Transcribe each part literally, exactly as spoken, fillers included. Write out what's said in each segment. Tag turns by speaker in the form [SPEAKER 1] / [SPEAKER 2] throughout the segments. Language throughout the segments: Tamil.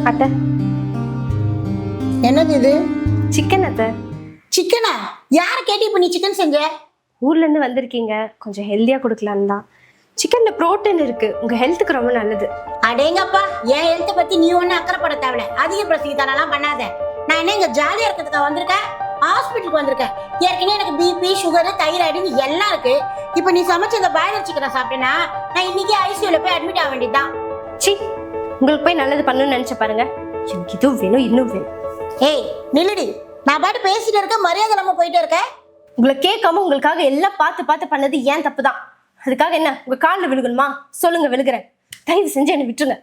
[SPEAKER 1] அத்தை.
[SPEAKER 2] என்னது இது?
[SPEAKER 1] சிக்கன் அத்தை.
[SPEAKER 2] சிக்கனா? யாரை கேட்டு இப்ப நீ சிக்கன் செஞ்ச?
[SPEAKER 1] ஊர்ல இருந்து வந்திருக்கீங்க, கொஞ்சம் ஹெல்தியா கொடுக்கலான்னு தான். சிக்கன்ல புரோட்டீன் இருக்கு, உங்க ஹெல்த்துக்கு ரொம்ப நல்லது.
[SPEAKER 2] அடேங்கப்பா, என் ஹெல்த்தை பத்தி நீ ஒன்னும் அக்கறைப்பட தேவையில்ல. அதிக பிரசங்கித்தானெல்லாம் பண்ணாத. நான் என்ன இங்க ஜாலியா இருக்கிறதுக்கா வந்திருக்கேன்? ஹாஸ்பிட்டலுக்கு வந்திருக்கேன். ஏற்கனவே எனக்கு பிபி, சுகரு, தைராய்டுன்னு எல்லாம் இருக்கு. இப்ப நீ சமைச்ச இந்த பாய்லர் சிக்கனை சாப்பிட்டேன்னா நான் இன்னைக்கு ஐசியூல போய் அட்மிட் ஆக வேண்டியதுதான்.
[SPEAKER 1] சி, உங்களுக்கு போய் நல்லது பண்ணணும்னு நினைச்ச பாருங்க. எனக்கு இதுவும் வேணும், இன்னும் வேணும்.
[SPEAKER 2] ஏய் நில்லுடி, நான் பாட்டு பேசிட்டு இருக்க, மரியாதை இல்லாம போயிட்டே இருக்க.
[SPEAKER 1] உங்களை கேட்காம உங்களுக்காக எல்லாம் பார்த்து பார்த்து பண்ணது ஏன் தப்பு தான். அதுக்காக என்ன உங்க காலில் விழுகணுமா? சொல்லுங்க, விழுகிறேன். தயவு செஞ்சு என்னை விட்டுருங்க.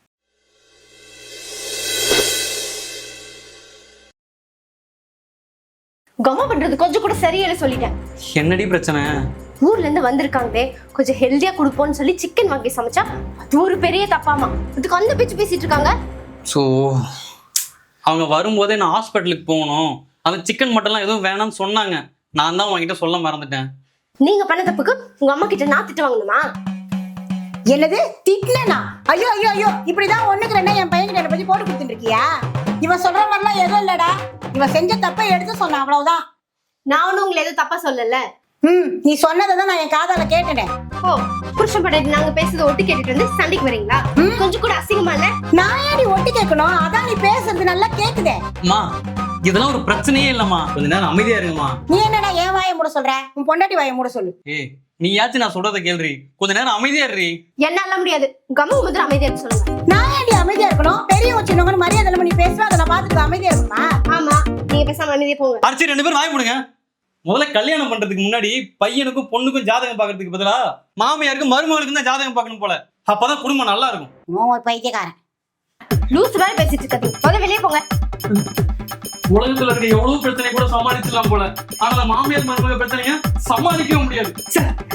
[SPEAKER 1] கம்மா பண்றது கொஞ்சம் கூட சரியில்லை சொல்லிட்டேன்.
[SPEAKER 3] என்னடி பிரச்சனை?
[SPEAKER 1] ஊர்ல இருந்து வந்திருக்காங்களே, கொஞ்சம் ஹெல்தியா கொடுப்போம்னு சொல்லி சிக்கன் வாங்கி சமைச்சா அது ஒரு பெரிய தப்பாமா. அதுக்கு அந்த பேச்சு பேசிட்டு இருக்காங்க.
[SPEAKER 3] ஸோ அவங்க வரும்போதே நான் ஹாஸ்பிட்டலுக்கு போகணும், அந்த சிக்கன் மட்டன்லாம் எதுவும் வேணாம்னு சொன்னாங்க. நான் தான் உங்ககிட்ட சொல்ல மறந்துட்டேன்.
[SPEAKER 1] நீங்க பண்ண தப்புக்கு உங்க அம்மா கிட்ட நான் திட்டு வாங்கணுமா?
[SPEAKER 2] என்னது திட்னா? ஐயோ ஐயோ ஐயோ, இப்படிதான் ஒண்ணுக்கு ரெண்டா என் பையன் கிட்ட பத்தி போட்டு கொடுத்துட்டு இருக்கியா? இவன் சொல்ற மாதிரிலாம் எதுவும் இல்லடா. இவன் செஞ்ச தப்பை எடுத்து சொன்னான், அவ்வளவுதான்.
[SPEAKER 1] நான் ஒன்னும் உங்களை எதுவும் தப்பா சொல்லல.
[SPEAKER 2] ம், நீ சொன்னதை தான் நான் என் காதால கேட்டேன்.
[SPEAKER 1] ஓ, புருஷன் படையிட்டு நாங்க பேசுறத ஒட்டு கேட்டுட்டு வந்து சண்டைக்கு வரீங்களா? கொஞ்சம் கூட அசிங்கமா இல்ல?
[SPEAKER 2] நான் ஏடி ஒட்டு கேட்கணும்? அதான் நீ பேசுறது நல்லா கேக்குதே.
[SPEAKER 3] அம்மா, இதெல்லாம் ஒரு பிரச்சனையே இல்லம்மா, கொஞ்ச நேரம் அமைதியா இருங்கம்மா.
[SPEAKER 2] நீ என்னடா என் வாயை மூட சொல்ற? உன் பொண்டாட்டி வாயை மூட சொல்லு.
[SPEAKER 3] ஏய், நீயாச்சும் நான் சொல்றத கேள்றி, கொஞ்ச நேரம் அமைதியா இருறி.
[SPEAKER 1] என்னால முடியாது. கம்மு முதல்ல அமைதியா இருக்க சொல்லுங்க.
[SPEAKER 2] நான் ஏடி அமைதியா இருக்கணும்? பெரியவங்க சின்னவங்க மரியாதை இல்லாம நீ பேசுற, அதை நான் பார்த்துட்டு அமைதியா இருக்கணுமா?
[SPEAKER 1] ஆமா, நீங்க பேசாம அமைதியா போங்க.
[SPEAKER 3] அரிசி ரெண்டு பேரும் வாய் போடுங்க. முதல்ல கல்யாணம் பண்றதுக்கு முன்னாடி பையனுக்கும் பொண்ணுக்கும் ஜாதகம் பாக்குறதுக்கு பதிலா மாமியாருக்கும் மருமகளுக்கும் தான் ஜாதகம் பார்க்கணும் போல. அப்பதான் குடும்பம் நல்லா இருக்கும்.
[SPEAKER 2] ஒரு பைத்தியக்காரன்
[SPEAKER 1] லூஸ் வேற பேசிட்டு இருக்காது. முதல்ல வெளியே போங்க.
[SPEAKER 3] உலகத்துல இருக்க எவ்வளவு பிரச்சனை கூட சமாளிச்சிடலாம் போல, ஆனா மாமியார் மருமக பிரச்சனைய சமாளிக்கவே முடியாது.